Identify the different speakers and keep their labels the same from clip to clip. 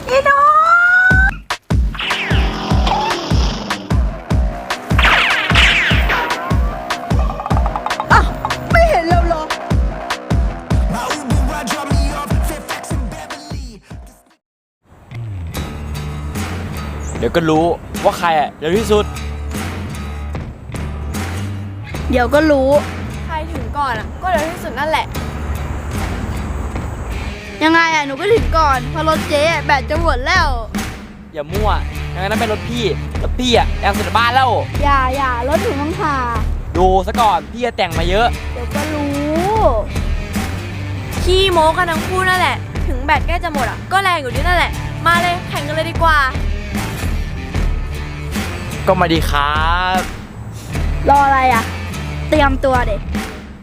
Speaker 1: อีหนูอ่ะไม่เห็นเราหรอ
Speaker 2: เดี๋ยวก็รู้ว่าใครเร็วที่สุด
Speaker 1: เดี๋ยวก็รู้
Speaker 3: ใครถึงก่อนก็เร็วที่สุดนั่นแหละ
Speaker 1: ยังไงหนูก็ถึงก่อนเพราะรถเจ๊แบตจะหมดแล้ว
Speaker 2: อย่ามั่วยังไงนั่นเป็นรถพี่แรงสุดในบ้านแล้ว
Speaker 1: อย่ารถถึงต้องผ่า
Speaker 2: ดูซะก่อนพี่จะแต่งมาเยอะ
Speaker 1: เดี๋ยวก็รู้
Speaker 3: ขี้โม้กันทั้งคู่นั่นแหละถึงแบตใกล้จะหมดก็แรงอยู่ดีนั่นแหละมาเลยแข่งกันเลยดีกว่า
Speaker 2: ก็มาดีครับ
Speaker 1: รออะไรเตรียมตัวเด็ก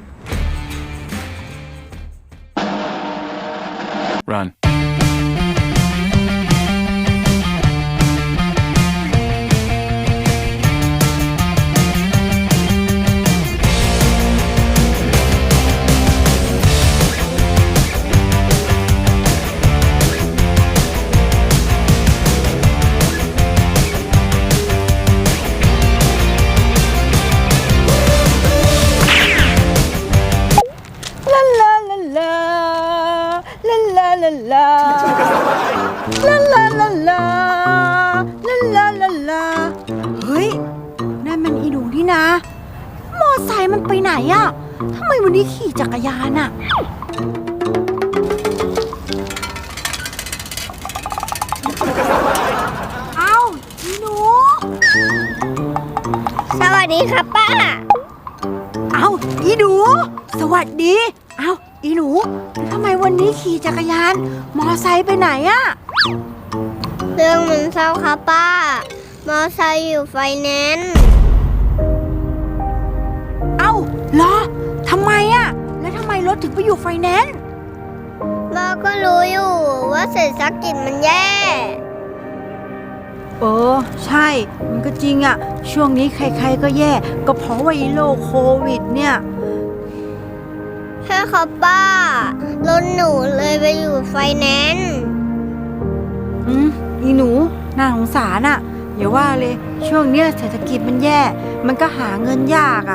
Speaker 4: Run.
Speaker 1: เฮ้ยนั่นมันอีหนูนี่นะมอไซค์มันไปไหนทำไมวันนี้ขี่จักรยานเอ้าอีหนู
Speaker 5: สวัสดีครับป้า
Speaker 1: เอ้าอีหนูสวัสดีเอ้าอีหนูทำไมวันนี้ขี่จักรยานมอไซค์ไปไหน
Speaker 5: เรื่องมันเศร้าครับป้ามอไซค์อยู่ไฟแนนซ์
Speaker 1: เอ้าเหรอทำไมแล้วทำไมรถถึงไปอยู่ไฟแนนซ์
Speaker 5: ป้าก็รู้อยู่ว่าเศรษฐกิจมันแย่
Speaker 1: ใช่มันก็จริงช่วงนี้ใครๆก็แย่ก็เพราะว่าโรคโควิดเนี่ย
Speaker 5: ใช่ครับป้ารถหนูเลยไปอยู่ไฟแนนซ์
Speaker 1: อีหนูน่าสงสารอย่าว่าเลยช่วงเนี้ยเศรษฐกิจมันแย่มันก็หาเงินยาก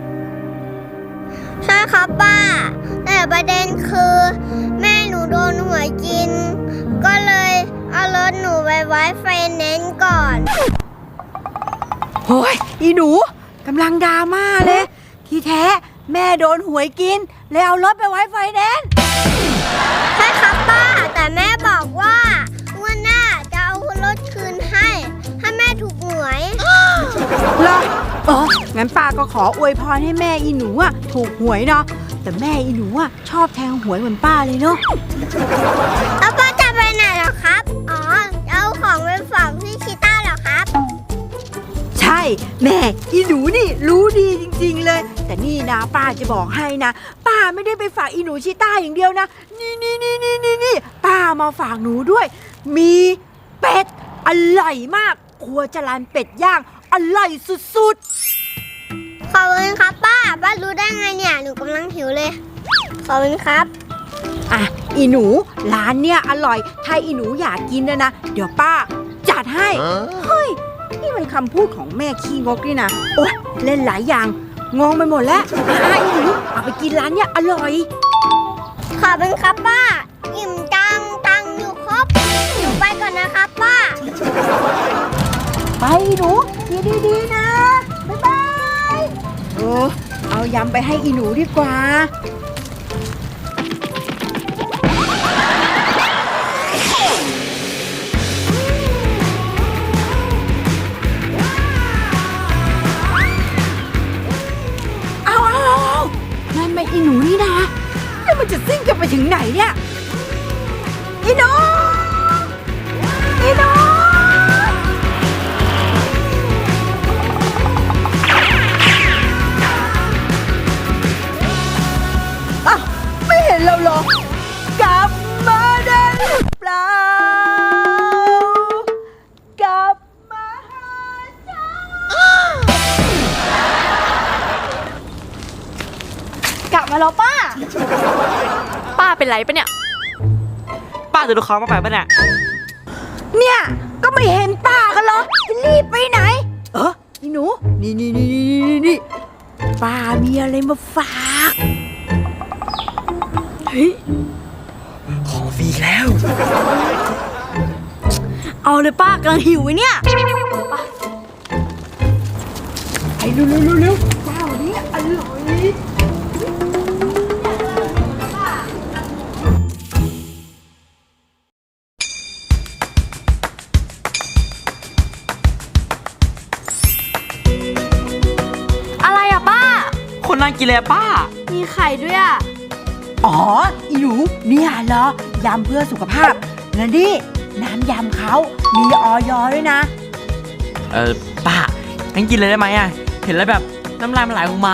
Speaker 5: ใช่ครับป้าแต่ประเด็นคือแม่หนูโดนหวยกินก็เลยเอารถหนูไปไว้ไฟแนนซ์ก่อน
Speaker 1: โอ้ยอีหนูกำลังดราม่าเลยที่แท้แม่โดนหวยกินเลยเอารถไปไว้ไฟแนนซ์
Speaker 5: ใช่ครับป้าแต่แม่บอกว่าวันหน้าจะเอารถคืนให้ถ้าแม่ถูกหวย
Speaker 1: เหรองั้นป้าก็ขออวยพรให้แม่อีหนูถูกหวยเนาะแต่แม่อีหนูชอบแทงหวยเหมือนป้าเลยเนาะ
Speaker 5: แล้วป้าจะไปไหนเหรอครับเอาของไปฝากพี่ชิต้าเหรอครับ
Speaker 1: ใช่แม่อีหนูนี่รู้ดีจริงๆเลยแต่นี่นะป้าจะบอกให้นะป้าไม่ได้ไปฝากอีหนูชิต้าอย่างเดียวนะนี่ป้ามาฝากหนูด้วยมีเป็ดอร่อยมากครัวจรัญเป็ดย่างอร่อยสุด
Speaker 5: ๆขอบคุณครับป้ารู้ได้ไงเนี่ยหนูกำลังหิวเลยขอบคุณครับ
Speaker 1: อีหนูร้านเนี่ยอร่อยถ้าอีหนูอยากกินนะเดี๋ยวป้าจัดให้เฮ้ยนี่มันคำพูดของแม่ขี้งกนี่นะโอ๊ยเล่นหลายอย่างงงไปหมดแล้วอีหนูเอาไปกินร้านเนี่ยอร่อย
Speaker 5: ขอบคุณครับป้าอิ่มจังตังอยู่ครบหนูไปก่อนนะครับป้า
Speaker 1: ไปหนูดีๆนะบ๊ายบายเอายำไปให้อีหนูดีกว่านั่นไม่อีหนูนี่นะแล้วมันจะซิ่งกันไปถึงไหนเนี่ยอีหนูไม่เห็นเราหรอกลับมาได้หรือเปล่ากลับมาหาฉันกลับมาแล้วป้า
Speaker 3: เป็นไรปะเนี่ย
Speaker 2: ป้าจะดูเขามาไปปะเนี่ย
Speaker 1: เนี่ยก็ไม่เห็นป้ากันหรอกจะรีบไปไหนอีหนูนี่ป้ามีอะไรมาฝากเฮ้ย
Speaker 2: ของฟรีแล้ว
Speaker 3: เอาเลยป้ากำลังหิวไว้เนี่ย
Speaker 1: ไอ้เร็วเจ้านี้อร่อย
Speaker 3: อะไรอะป้า
Speaker 2: คนน่ากินเลยอะป้า
Speaker 3: มีไข่ด้วยอะ
Speaker 1: อ๋ออีหนูเนี่ยเหรอยำเพื่อสุขภาพแล้วนี่น้ำยำเขามีออยด้วยนะ
Speaker 2: ป้างั้นกินเลยได้ไหมอะเห็นแล้วแบบน้ำลายมันไหลออกมา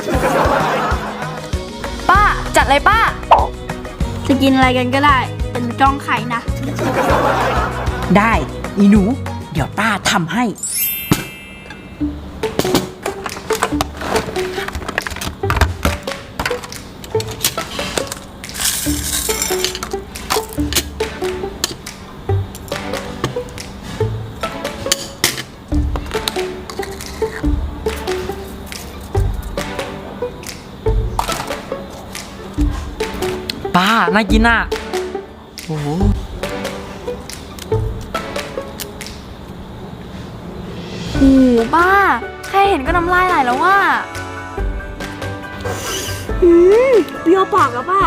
Speaker 3: ป้าจัดเลยป้า จะกินอะไรกันก็ได้เป็นจ้องไข่นะ
Speaker 1: ได้อีหนู เดี๋ยวป้าทำให้
Speaker 2: ป้าน่ากินอะโอ้โห
Speaker 3: โอ้โหป้าแค่เห็นก็น้ำลายไหลแล้วว่าเปรี้ยวปากแล้วป้า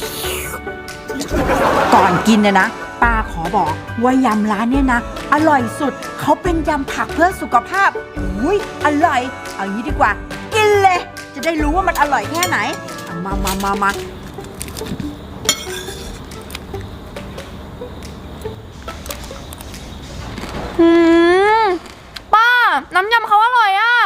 Speaker 1: ก่อนกินนะป้าขอบอกว่ายำร้านเนี่ยนะ อร่อยสุดเขาเป็นยำผักเพื่อสุขภาพอุ้ยอร่อย เอางี้ดีกว่า กินเลย จะได้รู้ว่ามันอร่อยแค่ไหนเอามา
Speaker 3: ป้าน้ำยำเขาอร่อยอ่ะ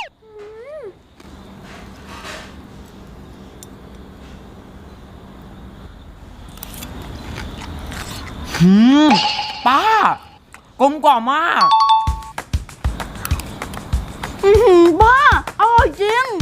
Speaker 2: ป้ากลมกล่อมมาก
Speaker 3: ป้าอร่อยจริง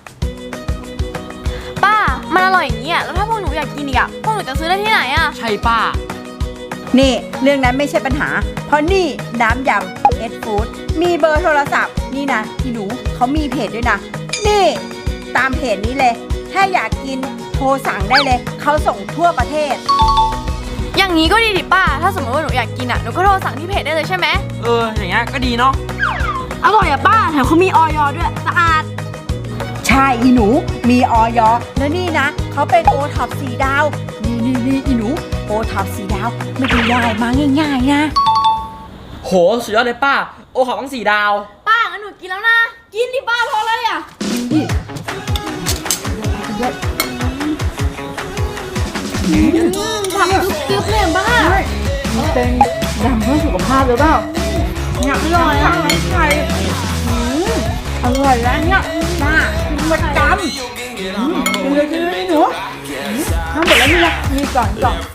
Speaker 3: ป้ามันอร่อยอย่างนี้อ่ะแล้วถ้าพวกหนูอยากกินอีกอ่ะพวกหนูจะซื้อได้ที่ไหนอ่ะ
Speaker 2: ใช่ป้า
Speaker 1: นี่เรื่องนั้นไม่ใช่ปัญหา เพราะนี่น้ำยำเอ็ดฟู้ดมีเบอร์โทรศัพท์นี่นะพี่หนูเขามีเพจด้วยนะ นี่ตามเพจนี้เลย ถ้าอยากกินโทรสั่งได้เลยเขาส่งทั่วประเทศ
Speaker 3: อย่างนี้ก็ดีดิป้า ถ้าสมมติว่าหนูอยากกินอ่ะหนูก็โทรสั่งที่เพจได้เลยใช่ไหม
Speaker 2: อย่างเงี้ยก็ดีเนาะ
Speaker 3: อร่อยอ่ะป้าแถมเขามีออยด้วยสะอาด
Speaker 1: ใช่อีหนูมีออยแล้วนี่นะเขาเป็นโอท็อป4 ดาว นี่อีหนูโอท็อป4 ดาวไม่ได้ได้มาง่ายๆนะ
Speaker 2: โหสุดยอดเลยป้า โอขอต้อง4 ดาว
Speaker 3: ป้างั้นหนูกินแล้วนะ กินดิป้าพอเลยอ่ะ ผักกรึบๆเลยป้า
Speaker 1: เป็นยำเพื่อสุขภาพหรือเปล่าเนี่ย
Speaker 3: อร่อยอ่ะ
Speaker 1: ไข่อร่อยแล้วเนี่ยป้ากินประจำกินเลยหนูทำหมดแล้วนี่นะมีก่อน